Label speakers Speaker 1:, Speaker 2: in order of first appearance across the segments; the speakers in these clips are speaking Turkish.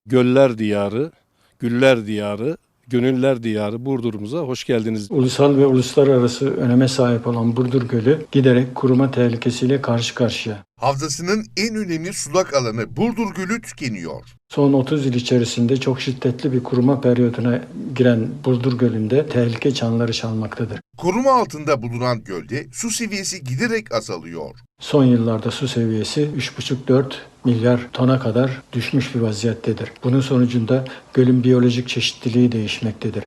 Speaker 1: Göller diyarı, güller diyarı, gönüller diyarı Burdur'umuza hoş geldiniz.
Speaker 2: Ulusal ve uluslararası öneme sahip olan Burdur Gölü giderek kuruma tehlikesiyle karşı karşıya.
Speaker 3: Havzasının en önemli sulak alanı Burdur Gölü tükeniyor.
Speaker 2: Son 30 yıl içerisinde çok şiddetli bir kuruma periyoduna giren Burdur Gölü'nde tehlike çanları çalmaktadır.
Speaker 3: Koruma altında bulunan gölde su seviyesi giderek azalıyor.
Speaker 2: Son yıllarda su seviyesi 3,5-4 milyar tona kadar düşmüş bir vaziyettedir. Bunun sonucunda gölün biyolojik çeşitliliği değişmektedir.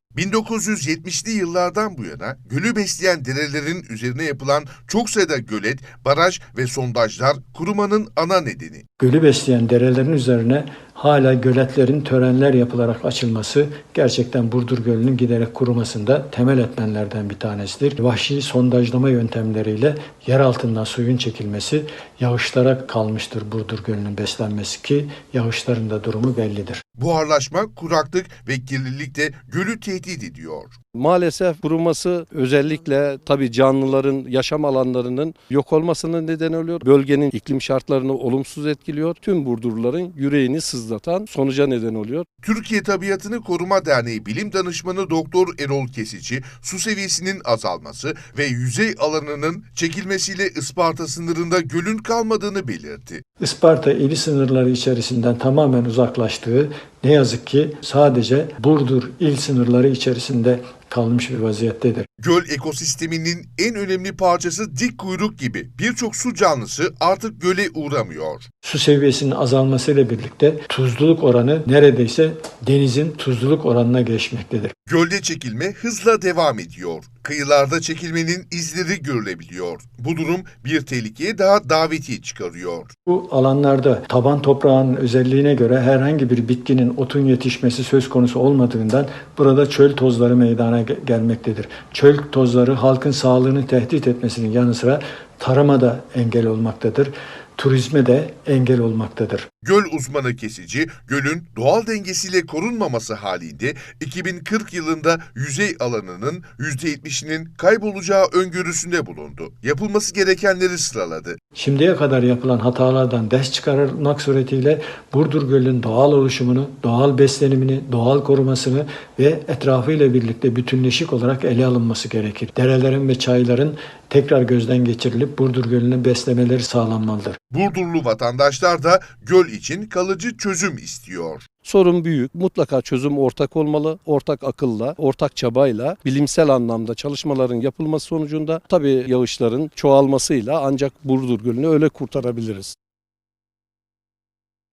Speaker 3: 1970'li yıllardan bu yana gölü besleyen derelerin üzerine yapılan çok sayıda gölet, baraj ve sondajlar kurumanın ana nedeni.
Speaker 2: Gölü besleyen derelerin üzerine hala göletlerin törenler yapılarak açılması gerçekten Burdur Gölü'nün giderek kurumasında temel etmenlerden bir tanesidir. Vahşi sondajlama yöntemleriyle yer altından suyun çekilmesi yağışlara kalmıştır Burdur Gölü'nün beslenmesi ki yağışların da durumu bellidir.
Speaker 3: Buharlaşma, kuraklık ve kirlilik de gölü tehdit ediyor.
Speaker 1: Maalesef kuruması özellikle tabii canlıların yaşam alanlarının yok olmasına neden oluyor. Bölgenin iklim şartlarını olumsuz etkiliyor. Tüm Burdurluların yüreğini sızlatan sonuca neden oluyor.
Speaker 3: Türkiye Tabiatını Koruma Derneği Bilim Danışmanı Doktor Erol Kesici, su seviyesinin azalması ve yüzey alanının çekilmesiyle Isparta sınırında gölün kalmadığını belirtti.
Speaker 2: Isparta ili sınırları içerisinden tamamen uzaklaştığı, ne yazık ki sadece Burdur il sınırları içerisinde kalmış bir vaziyettedir.
Speaker 3: Göl ekosisteminin en önemli parçası dik kuyruk gibi birçok su canlısı artık göle uğramıyor.
Speaker 2: Su seviyesinin azalmasıyla birlikte tuzluluk oranı neredeyse denizin tuzluluk oranına geçmektedir.
Speaker 3: Gölde çekilme hızla devam ediyor. Kıyılarda çekilmenin izleri görülebiliyor. Bu durum bir tehlikeye daha davetiye çıkarıyor.
Speaker 2: Bu alanlarda taban toprağın özelliğine göre herhangi bir bitkinin otun yetişmesi söz konusu olmadığından burada çöl tozları meydana gelmektedir. Çöl tozları halkın sağlığını tehdit etmesinin yanı sıra tarıma da engel olmaktadır. Turizme de engel olmaktadır.
Speaker 3: Göl uzmanı Kesici, gölün doğal dengesiyle korunmaması halinde 2040 yılında yüzey alanının %70'inin kaybolacağı öngörüsünde bulundu. Yapılması gerekenleri sıraladı.
Speaker 2: Şimdiye kadar yapılan hatalardan ders çıkarılmak suretiyle Burdur Gölü'nün doğal oluşumunu, doğal beslenimini, doğal korumasını ve etrafıyla birlikte bütünleşik olarak ele alınması gerekir. Derelerin ve çayların tekrar gözden geçirilip Burdur Gölü'nün beslemeleri sağlanmalıdır.
Speaker 3: Burdurlu vatandaşlar da göl için kalıcı çözüm istiyor.
Speaker 1: Sorun büyük. Mutlaka çözüm ortak olmalı. Ortak akılla, ortak çabayla, bilimsel anlamda çalışmaların yapılması sonucunda tabii yağışların çoğalmasıyla ancak Burdur Gölü'nü öyle kurtarabiliriz.